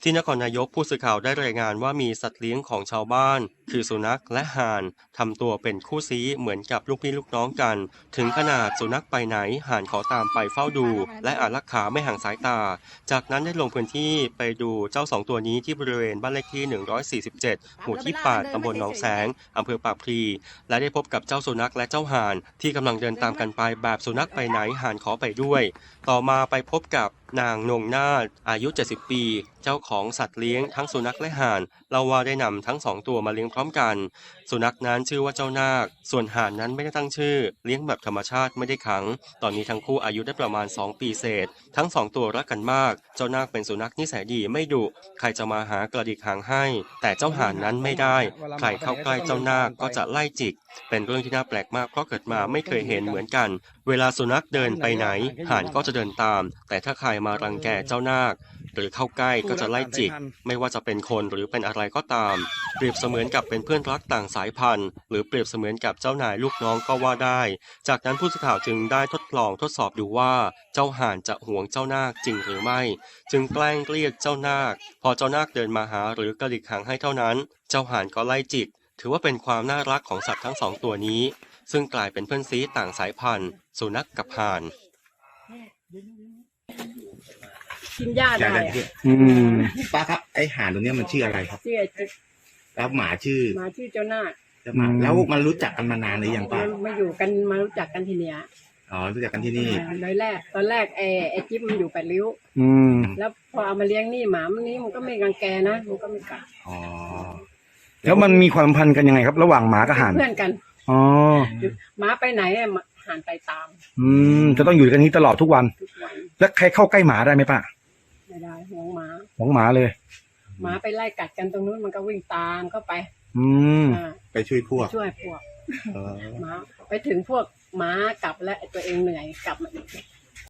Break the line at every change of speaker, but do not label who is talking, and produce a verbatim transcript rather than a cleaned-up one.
ที่นครนายกผู้สื่อข่าวได้รายงานว่ามีสัตว์เลี้ยงของชาวบ้านคือสุนัขและห่านทำตัวเป็นคู่ซี้เหมือนกับลูกพี่ลูกน้องกันถึงขนาดสุนัขไปไหนห่านขอตามไปเฝ้าดูและอารักขาไม่ห่างสายตาจากนั้นได้ลงพื้นที่ไปดูเจ้าสองตัวนี้ที่บริเวณบ้านเลขที่หนึ่งร้อยสี่สิบเจ็ดหมู่ที่แปดตำบลหนองแสงอำเภอปากพลีและได้พบกับเจ้าสุนัขและเจ้าห่านที่กำลังเดินตามกันไปแบบสุนัขไปไหนห่านขอไปด้วยต่อมาไปพบกับนางนงนาฏอายุเจ็ดสิบปีเจ้าของสัตว์เลี้ยงทั้งสุนัขและห่านเล่าว่าได้นำทั้งสองตัวมาเลี้ยงพร้อมกันสุนัขนั้นชื่อว่าเจ้านาคส่วนห่านนั้นไม่ได้ตั้งชื่อเลี้ยงแบบธรรมชาติไม่ได้ขังตอนนี้ทั้งคู่อายุได้ประมาณสองปีเศษทั้งสองตัวรักกันมากเจ้านาคเป็นสุนัขนิสัยดีไม่ดุใครจะมาหากระดิกหางให้แต่เจ้าห่านนั้นไม่ได้ใครเข้าใกล้เจ้านาคก็จะไล่จิกเป็นเรื่องที่น่าแปลกมากเพราะเกิดมาไม่เคยเห็นเหมือนกันเวลาสุนัขเดินไปไหนห่านก็จะเดินตามแต่ถ้าใครมารังแกเจ้านาคหรือเข้าใกล้ก็จะไล่จิกไม่ว่าจะเป็นคนหรือเป็นอะไรก็ตามเปรียบเสมือนกับเป็นเพื่อนรักต่างสายพันธุ์หรือเปรียบเสมือนกับเจ้านายลูกน้องก็ว่าได้จากนั้นผู้สื่อข่าวจึงได้ทดลองทดสอบดูว่าเจ้าห่านจะหวงเจ้านาคจริงหรือไม่จึงแกล้งเรียกเจ้านาคพอเจ้านาคเดินมาหาหรือกระดิกหางให้เท่านั้นเจ้าห่านก็ไล่จิกถือว่าเป็นความน่ารักของสัตว์ทั้งสองตัวนี้ซึ่งกลายเป็นเพื่อนซีต่างสายพันธุ์สุนัขกับห่าน
กินหญ้าได้
อืมป้าครับไอห่านตัวเนี้ยมันชื่ออะไรครับ
ชื่อไอ้จิ๊ก
แล้วหมาชื่อ
หมาชื่อเจ้านาค
แล้วหมาแล้วมันรู้จักกันมานานหรือยังป้า
มาอยู่กันมารู้จักกันทีเนี้ย
อ๋อรู้จักกันที่นี่
ตอนแรกตอนแรกไอ้ไอ้จิ๊บมันอยู่แปดริ้ว
อืม
แล้วพอเอามาเลี้ยงนี่หมามันนี้มันก็ไม่กังแกนะมันก็ไม่กัด
อ๋อ
แล้วมันมีความสัมพันธ์กันยังไงครับระหว่างหมากับห่าน
เพื่อนกัน
อ๋อ
หมาไปไหนห่านไปตาม
อืมจะต้องอยู่กันนี้ตลอดทุกวัน
ทุกวัน
แล้วใครเข้าใกล้หมาได้ไหมป้า
ไม่ได้ห่วงหมา
ห่วงหมาเลย
หมาไปไล่กัดกันตรงนู้นมันก็วิ่งตามเข้าไป
อืม
ไปช่วยพวก
ช่วยพวกหมาไปถึงพวกหมากลับและตัวเองเหนื่อยกลับมาอีก